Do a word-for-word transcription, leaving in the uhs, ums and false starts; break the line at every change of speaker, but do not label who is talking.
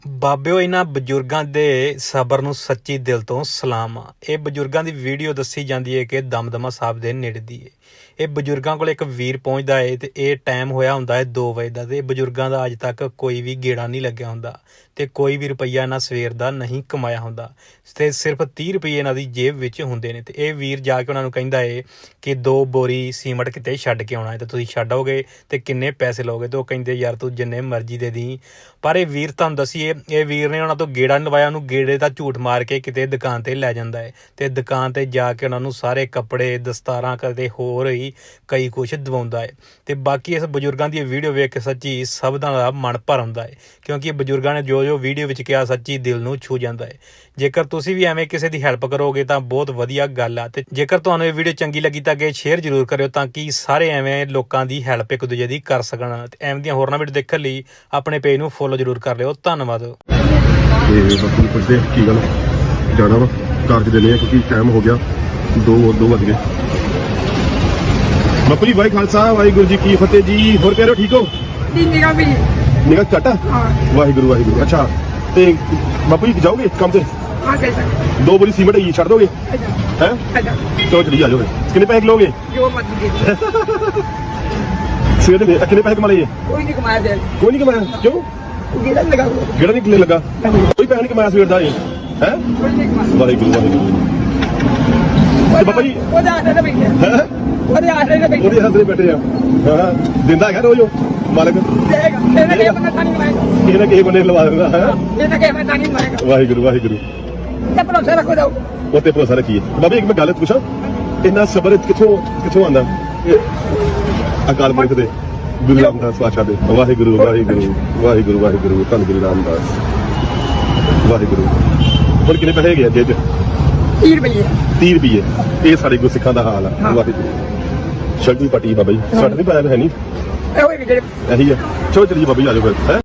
ਬਾਬਿਓ ਇਹਨਾਂ ਬਜ਼ੁਰਗਾਂ ਦੇ ਸਬਰ ਨੂੰ ਸੱਚੀ ਦਿਲ ਤੋਂ ਸਲਾਮ ਆ। ਇਹ ਬਜ਼ੁਰਗਾਂ ਦੀ ਵੀਡੀਓ ਦੱਸੀ ਜਾਂਦੀ ਹੈ ਕਿ ਦਮਦਮਾ ਸਾਹਿਬ ਦੇ ਨੇੜੇ ਦੀ ਹੈ। ਇਹ ਬਜ਼ੁਰਗਾਂ ਕੋਲ ਇੱਕ ਵੀਰ ਪਹੁੰਚਦਾ ਹੈ ਤੇ ਇਹ ਟਾਈਮ ਹੋਇਆ ਹੁੰਦਾ ਹੈ ਦੋ ਵਜੇ ਦਾ, ਤੇ ਇਹ ਬਜ਼ੁਰਗਾਂ ਦਾ ਅੱਜ ਤੱਕ ਕੋਈ ਵੀ ਗੇੜਾ ਨਹੀਂ ਲੱਗਿਆ ਹੁੰਦਾ ਤੇ ਕੋਈ ਵੀ ਰੁਪਈਆ ਇਹਨਾਂ ਸਵੇਰ ਦਾ ਨਹੀਂ ਕਮਾਇਆ ਹੁੰਦਾ ਤੇ ਸਿਰਫ ਤੀਹ ਰੁਪਏ ਇਹਨਾਂ ਦੀ ਜੇਬ ਵਿੱਚ ਹੁੰਦੇ ਨੇ। ਤੇ ਇਹ ਵੀਰ ਜਾ ਕੇ ਉਹਨਾਂ ਨੂੰ ਕਹਿੰਦਾ ਹੈ ਕਿ ਦੋ ਬੋਰੀ ਸੀਮਟ ਕਿਤੇ ਛੱਡ ਕੇ ਆਉਣਾ ਹੈ ਤੇ ਤੁਸੀਂ ਛੱਡ ਆਓਗੇ ਤੇ ਕਿੰਨੇ ਪੈਸੇ ਲਓਗੇ? ਤੇ ਉਹ ਕਹਿੰਦੇ ਯਾਰ ਤੂੰ ਜਿੰਨੇ ਮਰਜ਼ੀ ਦੇ ਦੀ। ਪਰ ਇਹ ਵੀਰ ਤੁਹਾਨੂੰ ਦੱਸੀਏ, ਇਹ ਵੀਰ ਨੇ ਉਹਨਾਂ ਤੋਂ ਗੇੜਾ ਨਹੀਂ ਲਵਾਇਆ, ਉਹਨੂੰ ਗੇੜੇ ਦਾ ਝੂਠ ਮਾਰ ਕੇ ਕਿਤੇ ਦੁਕਾਨ ਤੇ ਲੈ ਜਾਂਦਾ ਹੈ ਤੇ ਦੁਕਾਨ ਤੇ ਜਾ ਕੇ ਉਹਨਾਂ ਨੂੰ ਸਾਰੇ ਕੱਪੜੇ ਦਸਤਾਰਾਂ ਕਰਦੇ ਹੋਰ ਹੀ ਕਈ ਕੁਛ ਦਵਾਉਂਦਾ ਹੈ। ਤੇ ਬਾਕੀ ਇਸ ਬਜ਼ੁਰਗਾਂ ਦੀ ਵੀਡੀਓ ਵੇਖ ਕੇ ਸੱਚੀ ਸਭ ਦਾ ਮਨ ਭਰ ਆਉਂਦਾ ਹੈ, ਕਿਉਂਕਿ ਬਜ਼ੁਰਗਾਂ ਨੇ ਜੋ ਜੋ ਵੀਡੀਓ ਵਿੱਚ ਕਿਹਾ ਸੱਚੀ ਦਿਲ ਨੂੰ ਛੂ ਜਾਂਦਾ ਹੈ। ਜੇਕਰ ਤੁਸੀਂ ਵੀ ਐਵੇਂ ਕਿਸੇ ਦੀ ਹੈਲਪ ਕਰੋਗੇ ਤਾਂ ਬਹੁਤ ਵਧੀਆ ਗੱਲ ਆ। ਤੇ ਜੇਕਰ ਤੁਹਾਨੂੰ ਇਹ ਵੀਡੀਓ ਚੰਗੀ ਲੱਗੀ ਤਾਂ ਅੱਗੇ ਸ਼ੇਅਰ ਜ਼ਰੂਰ ਕਰਿਓ ਤਾਂ ਕਿ ਸਾਰੇ ਐਵੇਂ ਲੋਕਾਂ ਦੀ ਹੈਲਪ ਇੱਕ ਦੂਜੇ ਦੀ ਕਰ ਸਕਣ। ਤੇ ਐਵੇਂ ਦੀਆਂ ਹੋਰਨਾਂ ਵੀਡੀਓ ਦੇਖਣ ਲਈ ਆਪਣੇ ਪੇਜ ਨੂੰ ਫੋਲੋ ਜ਼ਰੂਰ ਕਰ ਲਿਓ। ਧੰਨਵਾਦ।
ਤੇ ਬਾਕੀ ਪੁੱਛਦੇ ਕੀ ਗੱਲ ਜਾਣਾ ਵਾ ਕਾਰਜ ਦੇਣੇ ਆ ਕਿਉਂਕਿ ਟਾਈਮ ਹੋ ਗਿਆ ਦੋ ਦੋ ਵੱਜ ਗਏ। ਬਾਪੂ ਜੀ ਵਾਹਿ ਖਾਲਸਾ ਵਾਹਿਗੁਰੂ ਜੀ ਕੀ ਫਤਿਹ ਜੀ। ਹੋਰ ਕਹਿ ਰਹੇ ਹੋ ਠੀਕ ਹੋ?
ਨਿਗਾਹ ਵੀ
ਨਿਗਾਹ ਘੱਟ ਆ? ਵਾਹਿਗੁਰੂ ਵਾਹਿਗੁਰੂ। ਅੱਛਾ ਤੇ ਬਾਪੂ ਜੀ ਜਾਓਗੇ ਕੰਮ ਤੇ?
ਆ ਗਏ ਸਰ
ਦੋ ਬੋਰੀ ਸੀਮਟ ਹੈਗੀ ਛੱਡ ਦੋਗੇ ਹੈ? ਚਲੋ ਚਲੀ ਆ ਜਾਓਗੇ। ਕਿੰਨੇ ਪੈਸੇ ਲਓਗੇ?
ਜੋ ਮਰਜ਼ੀ ਦੇ ਦਿਓ।
ਸਵੇਰ ਦੇ ਕਿੰਨੇ ਪੈਸੇ ਕਮਾ ਲਏ?
ਕੋਈ ਨਹੀਂ ਕਮਾਇਆ ਦੇ
ਕੋਈ ਨਹੀਂ ਕਮਾਇਆ? ਕਿਉਂ?
ਗੇੜਾ ਲਗਾ
ਗੇੜਾ ਨਹੀਂ ਕਿੰਨੇ ਲੱਗਾ? ਕੋਈ ਪੈਸੇ ਨਹੀਂ ਕਮਾਇਆ ਸਵੇਰ ਦਾ ਇਹ ਹੈ?
ਕੋਈ ਨਹੀਂ ਕਮਾਇਆ।
ਵਾਹਿਗੁਰੂ ਵਾਹਿਗੁਰੂ। ਤੇ ਬਾਬਾ ਜੀ
ਉਹਦੇ ਆਸਰੇ ਤੇ ਬੈਠੇ
ਹੈ?
ਉਹਦੇ ਆਸਰੇ ਤੇ ਬੈਠੇ
ਉਹਦੇ ਹੱਥ ਬੈਠੇ ਆ। ਹਾਂ ਦਿੰਦਾ ਹੈਗਾ ਰੋਜ਼ ਉਹ ਮਾਲਕ?
ਦੇਗਾ ਇਹਨੇ ਕਿਹਾ ਬੰਦਾ ਤਾਂ ਨਹੀਂ ਮਾਰੇਗਾ।
ਕਿਸੇ ਨਾ ਕਿਸੇ ਬੰਦੇ ਲਵਾ ਦਿੰਦਾ ਹੈ।
ਇਹ ਤਾਂ ਕਿਹਾ ਮੈਂ ਤਾਂ ਨਹੀਂ ਮਾਰੇਗਾ।
ਵਾਹਿਗੁਰੂ ਵਾਹਿਗੁਰੂ।
ਤੇ ਭਰੋਸਾ ਰੱਖੋ ਜਾਓ।
ਉੱਤੇ ਭਰੋਸਾ ਰੱਖੀਏ। ਬਾਬਾ ਇੱਕ ਮੈਂ ਗੱਲ ਪੁੱਛਾਂ, ਇੰਨਾ ਸਬਰ ਕਿੱਥੋਂ ਕਿੱਥੋਂ ਆਉਂਦਾ? ਅਕਾਲ ਪੁਰਖ ਦੇ ਗੁਰੂ ਰਾਮਦਾਸ ਪਾਤਸ਼ਾਹ ਦੇ। ਵਾਹਿਗੁਰੂ ਵਾਹਿਗੁਰੂ ਵਾਹਿਗੁਰੂ ਵਾਹਿਗੁਰੂ ਧੰਨ ਗੁਰੂ ਰਾਮਦਾਸ ਵਾਹਿਗੁਰੂ। ਹੁਣ ਕਿੰਨੇ ਪੈਸੇ ਹੈਗੇ ਅੱਗੇ ਚ?
ਤੀਹ ਰੁਪਏ
ਤੀਹ ਰੁਪਏ। ਇਹ ਸਾਡੇ ਗੁਰਸਿੱਖਾਂ ਦਾ ਹਾਲ ਆ। ਵਾਹਿਗੁਰੂ। ਸ਼ਰਟੀ ਪੱਟੀ ਬਾਬਾ ਜੀ, ਸੱਟ ਨਹੀਂ ਪਾਇਆ ਹੈ ਨਹੀਂ
ਇਹੋ ਹੀ ਜਿਹੜੇ
ਇਹੀ ਆ। ਚਲੋ ਚਲੀਏ ਬਾਬਾ ਜੀ ਆ ਜਾਓ ਫਿਰ ਹੈ।